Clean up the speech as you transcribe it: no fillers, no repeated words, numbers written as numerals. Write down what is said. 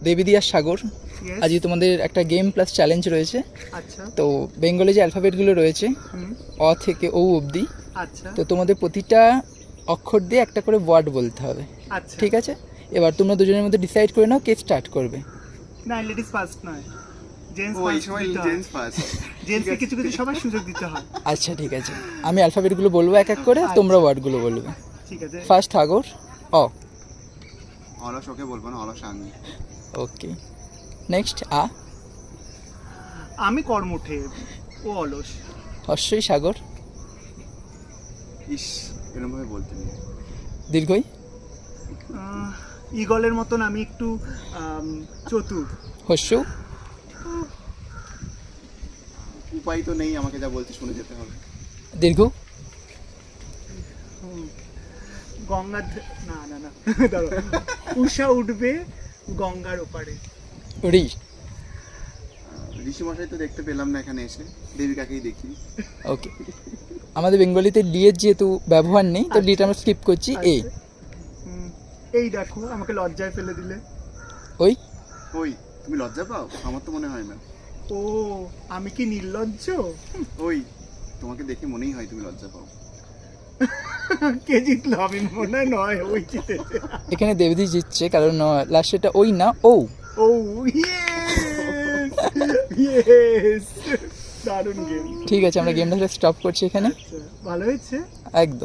দেবীদি আর সাগর, Yes. আজকে তোমাদের একটা গেম প্লাস চ্যালেঞ্জ রয়েছে। আচ্ছা। তো বেঙ্গলে যে অ্যালফাবেটগুলো রয়েছে হুম। অ থেকে ও অবধি, আচ্ছা। তো তোমাদের প্রতিটা অক্ষর দিয়ে একটা করে ওয়ার্ড বলতে হবে, আচ্ছা। ঠিক আছে? এবার তোমরা দুজনের মধ্যে ডিসাইড করে নাও কে স্টার্ট করবে। না, লেডিস ফার্স্ট নয়, জেন্টস ও এই ফার্স্ট সময় দিতে হয়। Gents first. জেন্টসকে কিছু কিছু সবার সুযোগ দিতে হয়। আচ্ছা ঠিক আছে, আমি অ্যালফাবেটগুলো বলবো এক এক করে, তোমরা ওয়ার্ডগুলো বলবে। ঠিক আছে। ফার্স্ট সাগর, অ। অলস ওকে বলবো না, অলস আমি। ওকে, নেক্সট আ। আমি কর্মঠে, ও অলস। হর্ষই সাগর, ইস, এরকম ভাবে বলতে নেই। দীর্ঘই ঈগলের মতন আমি একটু চতুর। হর্ষৌ, উপায় তো নেই, আমাকে যা বলতে শুনে যেতে হবে। দীর্ঘ, গঙ্গার না না না দাঁড়াও। উষা উঠবে গঙ্গার ওপারে। রি। ঋষি মশাই তো দেখতে পেলাম না এখানে এসে, দেবিকাকেই দেখি। ওকে, আমাদের বেঙ্গলিতে ডি এর যেহেতু ব্যবহার নেই, তো ডিটা আমরা স্কিপ করছি। এ। আচ্ছা। এই দেখো আমাকে লজ্জায় ফেলে দিলে। ওই। ওই, তুমি লজ্জা পাও? আমার তো মনে হয় না। ও, আমি কি নির্লজ্জ? ওই, তোমাকে দেখে মনেই হয় তুমি লজ্জা পাও। কে জিতলো? আমি মনে হয় নয়, ওই জিতেছে। এখানে দেবদি জিতছে, কারণ লাস্টেটা ওই না, ও। ও ইয়েস ইয়েস, দারুণ গেম। ঠিক আছে, আমরা গেমটা স্টপ করছি এখানে। ভালো হয়েছে। একদম।